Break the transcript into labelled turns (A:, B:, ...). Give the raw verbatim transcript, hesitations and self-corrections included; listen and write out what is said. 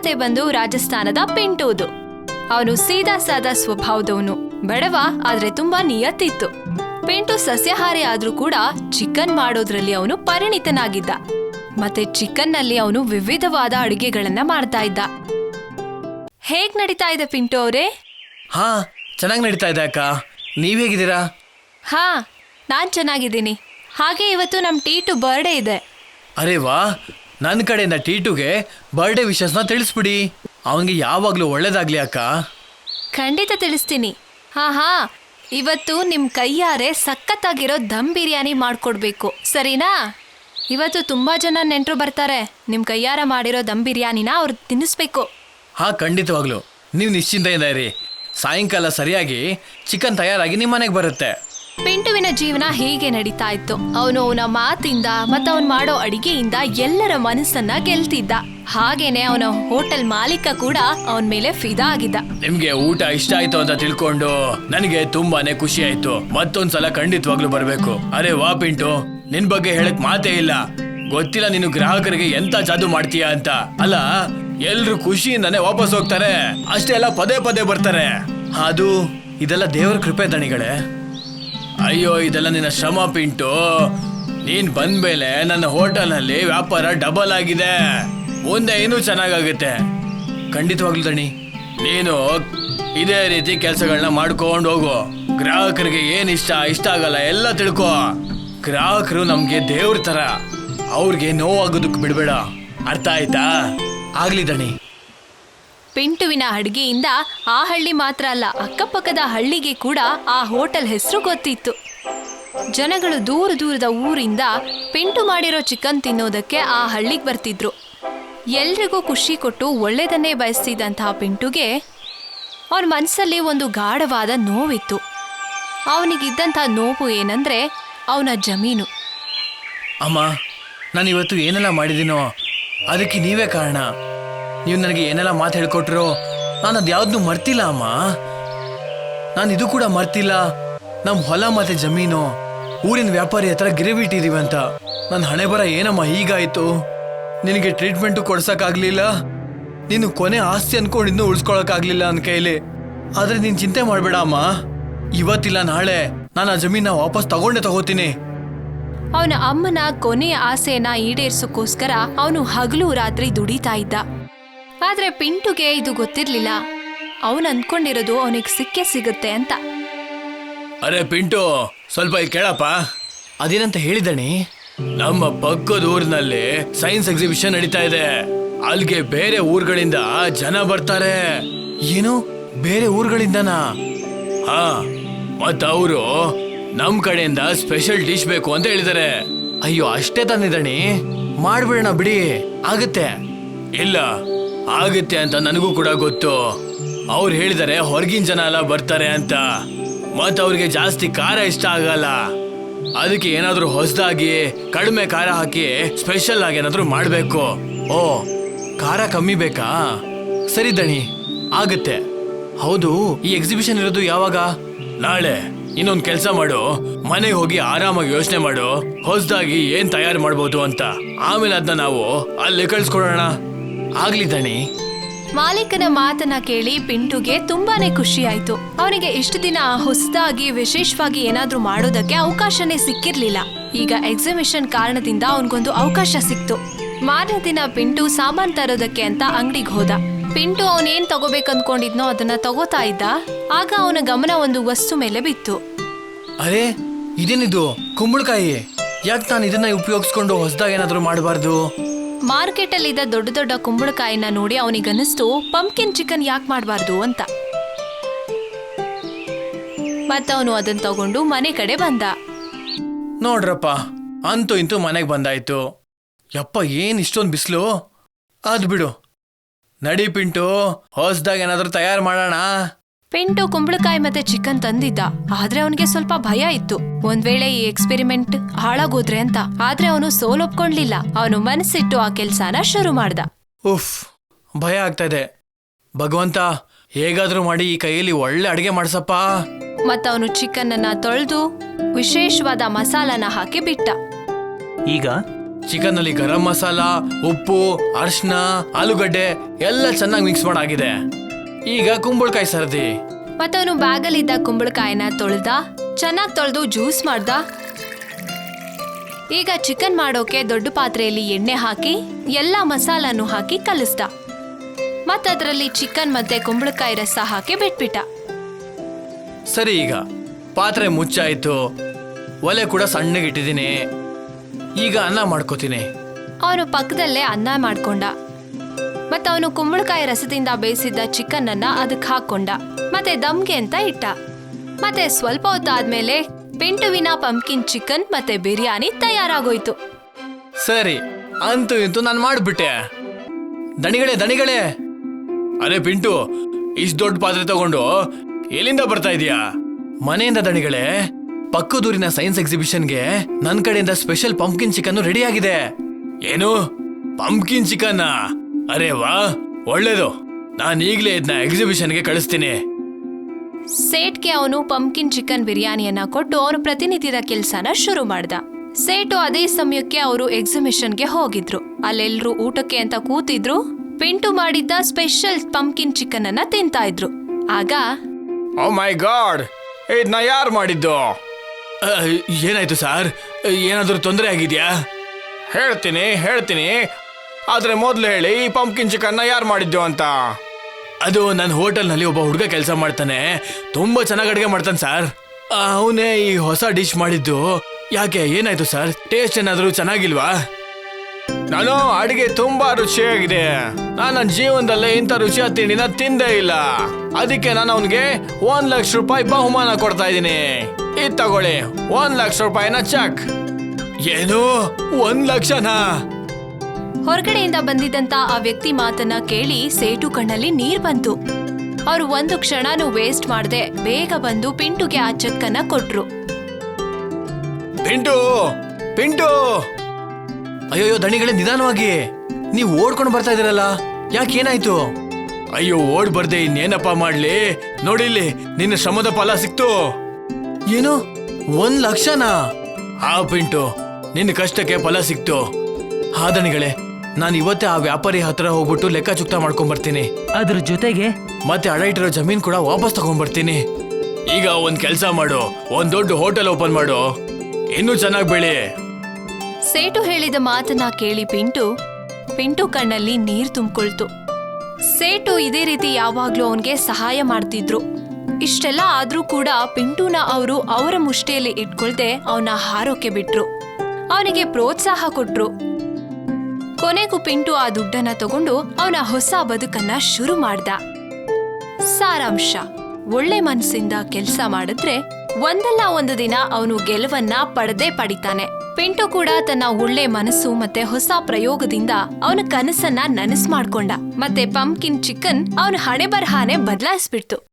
A: ಕತೆ ಬಂದು ರಾಜಸ್ಥಾನದ ಪಿಂಟೂದು. ಅವನು ಸೀದಾ ಸಾದಾ ಸ್ವಭಾವದವನು, ಬಡವ, ಆದ್ರೆ ತುಂಬಾ ನಿಯತ್ತಿತ್ತು. ಪಿಂಟು ಸಸ್ಯಾಹಾರಿ ಆದ್ರೂ ಕೂಡ ಚಿಕನ್ ಮಾಡೋದ್ರಲ್ಲಿ ಅವನು ಪರಿಣಿತನಾಗಿದ್ದ. ಮತ್ತೆ ಚಿಕನ್ ನಲ್ಲಿ ಅವನು ವಿವಿಧವಾದ ಅಡಿಗೆಗಳನ್ನ ಮಾಡ್ತಾ ಇದ್ದ. ಹೇಗ್ ನಡೀತಾ ಇದೆ ಪಿಂಟು ಅವರೇ?
B: ಹಾ, ಚೆನ್ನಾಗಿ ನಡೀತಾ ಇದೆ ಅಕ್ಕ. ನೀವ್ ಹೇಗಿದ್ದೀರಾ?
A: ಹಾ, ನಾನ್ ಚೆನ್ನಾಗಿದ್ದೀನಿ. ಹಾಗೆ ಇವತ್ತು ನಮ್ ಟೀಟು ಬರ್ಡೇ ಇದೆ.
B: ಅರೆ ವಾ, ನನ್ನ ಕಡೆಯಿಂದ ಟೀಟುಗೆ ಬರ್ಡೇ ವಿಶಸ್ನ ತಿಳಿಸ್ಬಿಡಿ. ಅವನಿಗೆ ಯಾವಾಗ್ಲೂ ಒಳ್ಳೇದಾಗ್ಲಿ ಅಕ್ಕ.
A: ಖಂಡಿತ ತಿಳಿಸ್ತೀನಿ. ಹಾ ಹಾ ಇವತ್ತು ನಿಮ್ ಕೈಯಾರೆ ಸಖತ್ತಾಗಿರೋ ದಮ್ ಬಿರಿಯಾನಿ ಮಾಡ್ಕೊಡ್ಬೇಕು, ಸರಿನಾ? ಇವತ್ತು ತುಂಬಾ ಜನ ನೆಂಟರು ಬರ್ತಾರೆ. ನಿಮ್ ಕೈಯಾರ ಮಾಡಿರೋ ದಮ್ ಬಿರಿಯಾನಿನ ಅವ್ರು ತಿನ್ನಿಸ್ಬೇಕು.
B: ಹಾ, ಖಂಡಿತವಾಗ್ಲು. ನೀವು ನಿಶ್ಚಿಂತೆಯಿಂದ ಇರಿ. ಸಾಯಂಕಾಲ ಸರಿಯಾಗಿ ಚಿಕನ್ ತಯಾರಾಗಿ ನಿಮ್ಮ ಮನೆಗೆ ಬರುತ್ತೆ.
A: ಪಿಂಟುವಿನ ಜೀವನ ಹೀಗೆ ನಡೀತಾ ಇತ್ತು. ಅವನು ಅವನ ಮಾತಿಂದ ಮತ್ತು ಅವನು ಮಾಡೋ ಅಡಿಗೆಯಿಂದ ಎಲ್ಲರ ಮನಸ್ಸನ್ನ ಗೆಲ್ತಿದ್ದ. ಹಾಗೇನೆ ಅವನ ಹೋಟೆಲ್ ಮಾಲೀಕ ಕೂಡ ಅವನ ಮೇಲೆ ಫಿದಾ ಆಗಿದ್ದ.
B: ನಿಮ್ಗೆ ಊಟ ಇಷ್ಟ ಆಯ್ತು ಅಂತ ತಿಳ್ಕೊಂಡು ನನಗೆ ತುಂಬಾನೇ ಖುಷಿ ಆಯ್ತು. ಮತ್ತೊಂದ್ಸಲ ಖಂಡಿತವಾಗ್ಲೂ ಬರ್ಬೇಕು. ಅರೆ ವಾ ಪಿಂಟು, ನಿನ್ ಬಗ್ಗೆ ಹೇಳಕ್ ಮಾತೇ ಇಲ್ಲ. ಗೊತ್ತಿಲ್ಲ ನೀನು ಗ್ರಾಹಕರಿಗೆ ಎಂತ ಜಾದು ಮಾಡ್ತೀಯ ಅಂತ. ಅಲ್ಲ, ಎಲ್ರು ಖುಷಿಯಿಂದಾನೆ ವಾಪಸ್ ಹೋಗ್ತಾರೆ, ಅಷ್ಟೇ ಅಲ್ಲ ಪದೇ ಪದೇ ಬರ್ತಾರೆ. ಅದು ಇದೆಲ್ಲ ದೇವರ ಕೃಪೆ ದಣಿಗಳೇ. ಅಯ್ಯೋ, ಇದೆಲ್ಲ ನಿನ್ನ ಶ್ರಮ ಪಿಂಟು. ನೀನ್ ಬಂದ್ಮೇಲೆ ನನ್ನ ಹೋಟೆಲ್ ನಲ್ಲಿ ವ್ಯಾಪಾರ ಡಬಲ್ ಆಗಿದೆ. ಮುಂದೆ ಇನ್ನೂ ಚೆನ್ನಾಗಾಗುತ್ತೆ. ಖಂಡಿತವಾಗ್ಲು ದಣಿ, ನೀನು ಇದೇ ರೀತಿ ಕೆಲಸಗಳನ್ನ ಮಾಡ್ಕೊಂಡು ಹೋಗು. ಗ್ರಾಹಕರಿಗೆ ಏನ್ ಇಷ್ಟ ಇಷ್ಟ ಆಗಲ್ಲ ಎಲ್ಲ ತಿಳ್ಕೊ. ಗ್ರಾಹಕರು ನಮ್ಗೆ ದೇವ್ರ ತರ, ಅವ್ರಿಗೆ ನೋವಾಗೋದಕ್ಕೆ ಬಿಡ್ಬೇಡ. ಅರ್ಥ ಆಯ್ತಾ? ಆಗ್ಲಿ ದಣಿ.
A: ಪಿಂಟುವಿನ ಅಡಿಗೆಯಿಂದ ಆ ಹಳ್ಳಿ ಮಾತ್ರ ಅಲ್ಲ, ಅಕ್ಕಪಕ್ಕದ ಹಳ್ಳಿಗೆ ಕೂಡ ಆ ಹೋಟೆಲ್ ಹೆಸರು ಗೊತ್ತಿತ್ತು. ಜನಗಳು ದೂರ ದೂರದ ಊರಿಂದ ಪಿಂಟು ಮಾಡಿರೋ ಚಿಕನ್ ತಿನ್ನೋದಕ್ಕೆ ಆ ಹಳ್ಳಿಗೆ ಬರ್ತಿದ್ರು. ಎಲ್ರಿಗೂ ಖುಷಿ ಕೊಟ್ಟು ಒಳ್ಳೆಯದನ್ನೇ ಬಯಸ್ತಿದ್ದಂತಹ ಪಿಂಟುಗೆ ಅವನ ಮನಸ್ಸಲ್ಲಿ ಒಂದು ಗಾಢವಾದ ನೋವಿತ್ತು. ಅವನಿಗಿದ್ದಂಥ ನೋವು ಏನಂದ್ರೆ ಅವನ ಜಮೀನು.
B: ಅಮ್ಮ, ನಾನು ಇವತ್ತು ಏನೆಲ್ಲ ಮಾಡಿದ್ದೀನೋ ಅದಕ್ಕೆ ನೀವೇ ಕಾರಣ. ನೀವು ನನಗೆ ಏನೆಲ್ಲ ಮಾತು ಹೇಳ್ಕೊಟ್ರೋ ನಾನು ಅದು ಯಾವ್ದನ್ನೂ ಮರ್ತಿಲ್ಲ ಅಮ್ಮ. ನಾನು ಇದು ಕೂಡ ಮರ್ತಿಲ್ಲ, ನಮ್ಮ ಹೊಲ ಮತ್ತೆ ಜಮೀನು ಊರಿನ ವ್ಯಾಪಾರಿ ಹತ್ರ ಗಿರವಿ ಇಟ್ಟಿದೀವಂತ. ನನ್ನ ಹಣೆ ಬರ ಏನಮ್ಮ ಹೀಗಾಯ್ತು. ನಿನಗೆ ಟ್ರೀಟ್ಮೆಂಟು ಕೊಡ್ಸಕ್ಕಾಗ್ಲಿಲ್ಲ, ನೀನು ಕೊನೆ ಆಸ್ತಿ ಅನ್ಕೊಂಡಿದ್ನು ಉಳಿಸ್ಕೊಳಕ್ಕಾಗ್ಲಿಲ್ಲ ನನ್ನ ಕೈಲಿ. ಆದ್ರೆ ನೀನು ಚಿಂತೆ ಮಾಡಬೇಡ ಅಮ್ಮ, ಇವತ್ತಿಲ್ಲ ನಾಳೆ ನಾನು ಆ ಜಮೀನ ವಾಪಸ್ ತಗೊಂಡೇ ತಗೋತೀನಿ.
A: ಅವನ ಅಮ್ಮನ ಕೊನೆಯ ಆಸೆಯನ್ನ ಈಡೇರಿಸೋಕ್ಕೋಸ್ಕರ ಅವನು ಹಗಲು ರಾತ್ರಿ ದುಡಿತಾ ಇದ್ದ. ಆದ್ರೆ ಪಿಂಟುಗೆ ಇದು ಗೊತ್ತಿರ್ಲಿಲ್ಲ. ಅವನು ಅನ್ಕೊಂಡಿರೋದು ಅವನಿಗೆ ಸಿಕ್ಕೇ ಸಿಗುತ್ತೆ ಅಂತ.
B: ಅರೆ ಪಿಂಟು, ಸ್ವಲ್ಪ ಇಲ್ಲಿ ಕೇಳಪ್ಪ. ಅದೇನಂತ ಹೇಳಿದಣಿ? ನಮ್ಮ ಪಕ್ಕದ ಊರಿನಲ್ಲಿ ಸೈನ್ಸ್ ಎಕ್ಸಿಬಿಷನ್ ನಡೀತಾ ಇದೆ. ಅಲ್ಲಿಗೆ ಬೇರೆ ಊರುಗಳಿಂದ ಜನ ಬರ್ತಾರೆ. ಏನು, ಬೇರೆ ಊರುಗಳಿಂದನಾ? ಹಾ, ಮತ್ತ ಅವರು ನಮ್ ಕಡೆಯಿಂದ ಸ್ಪೆಷಲ್ ಡಿಶ್ ಬೇಕು ಅಂತ ಹೇಳಿದಾರೆ. ಅಯ್ಯೋ, ಅಷ್ಟೇ ತಂದಿದಣಿ, ಮಾಡ್ಬಿಡೋಣ ಬಿಡಿ. ಆಗತ್ತೆ. ಇಲ್ಲ, ಆಗುತ್ತೆ ಅಂತ ನನಗೂ ಕೂಡ ಗೊತ್ತು. ಅವ್ರು ಹೇಳಿದಾರೆ ಹೊರಗಿನ ಜನ ಎಲ್ಲ ಬರ್ತಾರೆ ಅಂತ. ಮತ್ ಅವ್ರಿಗೆ ಜಾಸ್ತಿ ಖಾರ ಇಷ್ಟ ಆಗಲ್ಲ. ಅದಕ್ಕೆ ಏನಾದ್ರೂ ಹೊಸದಾಗಿ ಕಡಿಮೆ ಖಾರ ಹಾಕಿ ಸ್ಪೆಷಲ್ ಆಗಿ ಏನಾದ್ರೂ ಮಾಡ್ಬೇಕು. ಓ, ಖಾರ ಕಮ್ಮಿ ಬೇಕಾ? ಸರಿ ದಣಿ, ಆಗತ್ತೆ. ಹೌದು, ಈ ಎಕ್ಸಿಬಿಷನ್ ಇರೋದು ಯಾವಾಗ? ನಾಳೆ. ಇನ್ನೊಂದ್ ಕೆಲ್ಸ ಮಾಡು, ಮನೆಗೆ ಹೋಗಿ ಆರಾಮಾಗಿ ಯೋಚನೆ ಮಾಡು ಹೊಸದಾಗಿ ಏನ್ ತಯಾರು ಮಾಡ್ಬೋದು ಅಂತ. ಆಮೇಲೆ ಅದನ್ನ ನಾವು ಅಲ್ಲಿ ಕಳ್ಸ್ಕೊಡೋಣ. ಆಗ್ಲಿ ದಣಿ.
A: ಮಾಲೀಕನ ಮಾತನ್ನ ಕೇಳಿ ಪಿಂಟುಗೆ ತುಂಬಾನೇ ಖುಷಿ ಆಯ್ತು. ಅವನಿಗೆ ಇಷ್ಟು ದಿನ ಹೊಸದಾಗಿ ವಿಶೇಷವಾಗಿ ಏನಾದ್ರೂ ಮಾಡೋದಕ್ಕೆ ಅವಕಾಶನೇ ಸಿಕ್ಕಿರ್ಲಿಲ್ಲ. ಈಗ ಎಕ್ಸಿಬಿಷನ್ ಕಾರಣದಿಂದ ಅವನಿಗೊಂದು ಅವಕಾಶ ಸಿಕ್ತು. ಮಾರನೇ ದಿನ ಪಿಂಟು ಸಾಮಾನ್ ತರೋದಕ್ಕೆ ಅಂತ ಅಂಗಡಿಗೆ ಹೋದ. ಪಿಂಟು ಅವನೇನ್ ತಗೋಬೇಕಂದ್ಕೊಂಡಿದ್ನೋ ಅದನ್ನ ತಗೋತಾ ಇದ್ದ. ಆಗ ಅವನ ಗಮನ ಒಂದು ವಸ್ತು ಮೇಲೆ ಬಿತ್ತು.
B: ಅರೆ, ಇದೇನಿದು? ಕುಂಬಳಕಾಯಿ. ಯಾಕೆ ನಾನು ಇದನ್ನ ಉಪಯೋಗಿಸ್ಕೊಂಡು ಹೊಸದಾಗಿ ಏನಾದ್ರೂ ಮಾಡಬಾರ್ದು?
A: ಮಾರ್ಕೆಟ್ ಅಲ್ಲಿ ಇದ್ದ ದೊಡ್ಡ ದೊಡ್ಡ ಕುಂಬಳಕಾಯಿನ ನೋಡಿ ಅವನಿಗನ್ನಿಸ್ತು ಪಂಪ್ಕಿನ್ ಚಿಕನ್ ಯಾಕೆ ಮಾಡಬಾರ್ದು ಅಂತ. ಮತ್ತವನು ಅದನ್ನ ತಗೊಂಡು ಮನೆ ಕಡೆ ಬಂದ.
B: ನೋಡ್ರಪ್ಪ, ಅಂತೂ ಇಂತೂ ಮನೆಗೆ ಬಂದಾಯ್ತು. ಯಪ್ಪ, ಏನ್ ಇಷ್ಟೊಂದು ಬಿಸಿಲು. ಅದ್ ಬಿಡು, ನಡಿ ಪಿಂಟು, ಹೊಸದಾಗಿ ಏನಾದ್ರೂ ತಯಾರು ಮಾಡೋಣ.
A: ಪಿಂಟು ಕುಂಬಳಕಾಯಿ ಮತ್ತೆ ಚಿಕನ್ ತಂದಿದ್ದ. ಆದ್ರೆ ಅವನಿಗೆ ಸ್ವಲ್ಪ ಭಯ ಇತ್ತು, ಒಂದ್ ವೇಳೆ ಈ ಎಕ್ಸ್ಪೆರಿಮೆಂಟ್ ಹಾಳಾಗೋದ್ರೆ ಅಂತ. ಆದ್ರೆ ಅವನು ಸೋಲೊಪ್ಕೊಂಡ್ಲಿಲ್ಲ. ಅವನು ಮನಸ್ಸಿಟ್ಟು ಆ ಕೆಲ್ಸಾನ ಶುರು ಮಾಡ್ದ.
B: ಉಫ್, ಭಯ ಆಗ್ತಾ ಇದೆ. ಭಗವಂತ, ಹೇಗಾದ್ರೂ ಮಾಡಿ ಈ ಕೈಯಲ್ಲಿ ಒಳ್ಳೆ ಅಡಿಗೆ ಮಾಡ್ಸಪ್ಪ.
A: ಮತ್ತವನು ಚಿಕನ್ ಅನ್ನ ತೊಳೆದು ವಿಶೇಷವಾದ ಮಸಾಲಾನ ಹಾಕಿ ಬಿಟ್ಟ.
C: ಈಗ
B: ಚಿಕನ್ ಅಲ್ಲಿ ಗರಂ ಮಸಾಲ, ಉಪ್ಪು, ಅರ್ಶಿನ, ಆಲೂಗಡ್ಡೆ ಎಲ್ಲ ಚೆನ್ನಾಗಿ ಮಿಕ್ಸ್ ಮಾಡಾಗಿದೆ. ಈಗ ಕುಂಬಳಕಾಯಿ ಸರ್ದಿ.
A: ಮತ್ತವನು ಬ್ಯಾಗಲ್ಲಿದ್ದ ಕುಂಬಳಕಾಯಿನ ತೊಳ್ದ, ಚೆನ್ನಾಗಿ ತೊಳೆದು ಜ್ಯೂಸ್ ಮಾಡ್ದ. ಈಗ ಚಿಕನ್ ಮಾಡೋಕೆ ದೊಡ್ಡ ಪಾತ್ರೆಯಲ್ಲಿ ಎಣ್ಣೆ ಹಾಕಿ ಎಲ್ಲ ಮಸಾಲಾನು ಹಾಕಿ ಕಲಿಸ್ದ. ಮತ್ತದ್ರಲ್ಲಿ ಚಿಕನ್ ಮತ್ತೆ ಕುಂಬಳಕಾಯಿ ರಸ ಹಾಕಿ ಬಿಟ್ಬಿಟ್ಟ.
B: ಸರಿ, ಈಗ ಪಾತ್ರೆ ಮುಚ್ಚಾಯ್ತು, ಒಲೆ ಕೂಡ ಸಣ್ಣಗಿಟ್ಟಿದ್ದೀನಿ. ಈಗ ಅನ್ನ ಮಾಡ್ಕೋತೀನಿ.
A: ಅವನು ಪಕ್ಕದಲ್ಲೇ ಅನ್ನ ಮಾಡ್ಕೊಂಡ. ಮತ್ತೆ ಅವನು ಕುಂಬಳಕಾಯಿ ರಸದಿಂದ ಬೇಯಿಸಿದ್ದ ಚಿಕನ್ ಅನ್ನ ಅದಕ್ಕೆ ಹಾಕೊಂಡ. ಮತ್ತೆ ದಮ್ಗೆ ಅಂತ ಇಟ್ಟ. ಮತ್ತೆ ಸ್ವಲ್ಪ ಹೊತ್ತಾದ್ಮೇಲೆ ಪಿಂಟುವಿನ ಪಂಪ್ಕಿನ್ ಚಿಕನ್ ಮತ್ತೆ ಬಿರಿಯಾನಿ ತಯಾರಾಗೋಯ್ತು.
B: ಸರಿ, ಅಂತೂ ಇಂತೂ ನಾನು ಮಾಡ್ಬಿಟ್ಟೆ. ದಣಿಗಳೇ ದಣಿಗಳೇ ಅರೆ ಪಿಂಟು, ಇಷ್ಟು ದೊಡ್ಡ ಪಾತ್ರೆ ತಗೊಂಡು ಎಲ್ಲಿಂದ ಬರ್ತಾ ಇದೀಯಾ? ಮನೆಯಿಂದ ದಣಿಗಳೇ. ಪಕ್ಕದೂರಿನ ಸೈನ್ಸ್ ಎಕ್ಸಿಬಿಷನ್ಗೆ ನನ್ನ ಕಡೆಯಿಂದ ಸ್ಪೆಷಲ್ ಪಂಪ್ಕಿನ್ ಚಿಕನ್ ರೆಡಿ ಆಗಿದೆ. ಏನು, ಪಂಪ್ಕಿನ್ ಚಿಕನ್? ಅರೆ ವಾ, ಒಳ್ಳೇದು. ನಾನು ಈಗಲೇ ಇದನ್ನ ಎಕ್ಸಿಬಿಷನ್ಗೆ ಕಳಿಸ್ತೀನಿ.
A: ಸೇಟ್ಗೆ ಅವನು ಪಂಪ್ಕಿನ್ ಚಿಕನ್ ಬಿರಿಯಾನಿಯನ್ನ ಕೊಟ್ಟು ಅವನು ಪ್ರತಿನಿತ್ಯದ ಕೆಲ್ಸನ ಶುರು ಮಾಡ್ದ. ಸೇಟು ಅದೇ ಸಮಯಕ್ಕೆ ಅವರು ಎಕ್ಸಿಬಿಷನ್ಗೆ ಹೋಗಿದ್ರು. ಅಲ್ಲೆಲ್ರೂ ಊಟಕ್ಕೆ ಅಂತ ಕೂತಿದ್ರು. ಪಿಂಟು ಮಾಡಿದ್ದ ಸ್ಪೆಷಲ್ ಪಂಪ್ಕಿನ್ ಚಿಕನ್ ಅನ್ನ ತಿಂತಾ ಇದ್ರು. ಆಗ
B: ಓ ಮೈ ಗಾಡ್, ಇದನ್ನ ಯಾರು ಮಾಡಿದ್ದು? ಏನಾಯ್ತು ಸರ್? ಏನಾದರೂ ತೊಂದರೆ ಆಗಿದ್ಯಾ? ಹೇಳ್ತೀನಿ ಹೇಳ್ತೀನಿ ಆದ್ರೆ ಮೊದಲು ಹೇಳಿ, ಈ ಪಂಪ್ಕಿನ್ ಚಿಕನ್ನ ಯಾರು ಮಾಡಿದ್ದು ಅಂತ. ಅದು ನನ್ನ ಹೋಟೆಲ್ನಲ್ಲಿ ಒಬ್ಬ ಹುಡುಗ ಕೆಲಸ ಮಾಡ್ತಾನೆ. ತುಂಬಾ ಚೆನ್ನಾಗಿ ಅಡುಗೆ ಮಾಡ್ತಾನೆ ಸರ್. ಅವನೇ ಈ ಹೊಸ ಡಿಶ್ ಮಾಡಿದ್ದು. ಯಾಕೆ, ಏನಾಯ್ತು ಸರ್? ಟೇಸ್ಟ್ ಏನಾದರೂ ಚೆನ್ನಾಗಿಲ್ವಾ? ನಾನು ಅಡಿಗೆ ತುಂಬಾ ರುಚಿಯಾಗಿದೆ. ನಾನು ನನ್ನ ಜೀವನದಲ್ಲೇ ಇಂಥ ರುಚಿಯಾದ ತಿಂಡಿನ ತಿಂದೇ ಇಲ್ಲ. ಅದಕ್ಕೆ ನಾನು ಅವನಿಗೆ ಒಂದ್ ಲಕ್ಷ ರೂಪಾಯಿ ಬಹುಮಾನ ಕೊಡ್ತಾ ಇದ್ದೀನಿ. ಇದು ತಗೊಳ್ಳಿ, ಒಂದ್ ಲಕ್ಷ ರೂಪಾಯಿನ ಚೆಕ್. ಏನು, ಒಂದ್ ಲಕ್ಷನಾ?
A: ಹೊರಗಡೆಯಿಂದ ಬಂದಿದ್ದಂತ ಆ ವ್ಯಕ್ತಿ ಮಾತನ್ನ ಕೇಳಿ ಸೇಟು ಕಣ್ಣಲ್ಲಿ ನೀರ್ ಬಂತು. ಅವ್ರು ಒಂದು ಕ್ಷಣನೂ ವೇಸ್ಟ್ ಮಾಡದೆ ಬೇಗ ಬಂದು ಪಿಂಟುಗೆ ಆ ಚೆಕ್ ಅನ್ನ ಕೊಟ್ರು.
B: ಪಿಂಟು ಪಿಂಟು ಅಯ್ಯೋ ದಣಿಗಳೇ, ನಿಧಾನವಾಗಿ. ನೀವು ಓಡ್ಕೊಂಡು ಬರ್ತಾ ಇದೀರಲ್ಲ, ಯಾಕೆ, ಏನಾಯ್ತು? ಅಯ್ಯೋ, ಓಡ್ ಬರ್ದೆ ಇನ್ನೇನಪ್ಪ ಮಾಡ್ಲಿ. ನೋಡಿಲ್ಲಿ, ನಿನ್ನ ಶ್ರಮದ ಫಲ ಸಿಕ್ತು. ಏನು, ಒಂದ್ ಲಕ್ಷನಾ? ಹಾ ಪಿಂಟು, ನಿನ್ನ ಕಷ್ಟಕ್ಕೆ ಫಲ ಸಿಕ್ತು. ಹಾ ದಣಿಗಳೇ, ನಾನು ಇವತ್ತೇ ಆ ವ್ಯಾಪಾರಿ ಹತ್ರ ಹೋಗ್ಬಿಟ್ಟು ಲೆಕ್ಕ ಚುಕ್ತ ಮಾಡ್ಕೊಂಡ್ ಬರ್ತೀನಿ.
C: ಅದ್ರ ಜೊತೆಗೆ
B: ಮತ್ತೆ ಅಡ ಇಟ್ಟಿರೋ ಜಮೀನ್ ಕೂಡ ವಾಪಸ್ ತಗೊಂಡ್ಬರ್ತೀನಿ. ಈಗ ಒಂದ್ ಕೆಲ್ಸ ಮಾಡು, ಒಂದ್ ದೊಡ್ಡ ಹೋಟೆಲ್ ಓಪನ್ ಮಾಡು, ಇನ್ನೂ ಚೆನ್ನಾಗಿ ಬೆಳಿ.
A: ಸೇಟು ಹೇಳಿದ ಮಾತನ್ನ ಕೇಳಿ ಪಿಂಟು ಪಿಂಟು ಕಣ್ಣಲ್ಲಿ ನೀರ್ ತುಂಬಿಕೊಳ್ತು. ಸೇಟು ಇದೇ ರೀತಿ ಯಾವಾಗ್ಲೂ ಅವನ್ಗೆ ಸಹಾಯ ಮಾಡ್ತಿದ್ರು. ಇಷ್ಟೆಲ್ಲ ಆದ್ರೂ ಕೂಡ ಪಿಂಟುನ ಅವರು ಅವರ ಮುಷ್ಟಿಯಲ್ಲಿ ಇಟ್ಕೊಳ್ದೆ ಅವನ ಹಾರೋಕೆ ಬಿಟ್ರು. ಅವನಿಗೆ ಪ್ರೋತ್ಸಾಹ ಕೊಟ್ರು. ಕೊನೆಗೂ ಪಿಂಟು ಆ ದುಡ್ಡನ್ನ ತಗೊಂಡು ಅವನ ಹೊಸ ಬದುಕನ್ನ ಶುರು ಮಾಡ್ದ. ಸಾರಾಂಶ: ಒಳ್ಳೆ ಮನಸ್ಸಿಂದ ಕೆಲಸ ಮಾಡಿದ್ರೆ ಒಂದಲ್ಲ ಒಂದು ದಿನ ಅವನು ಗೆಲುವನ್ನ ಪಡೆದೇ ಪಡಿತಾನೆ. ಪಿಂಟು ಕೂಡ ತನ್ನ ಒಳ್ಳೆ ಮನಸ್ಸು ಮತ್ತೆ ಹೊಸ ಪ್ರಯೋಗದಿಂದ ಅವನ ಕನಸನ್ನ ನನಸು ಮಾಡ್ಕೊಂಡ. ಮತ್ತೆ ಪಂಪ್ಕಿನ್ ಚಿಕನ್ ಅವನ ಹಣೆ ಬರಹಾನೆ ಬದಲಾಯಿಸ್ಬಿಡ್ತು.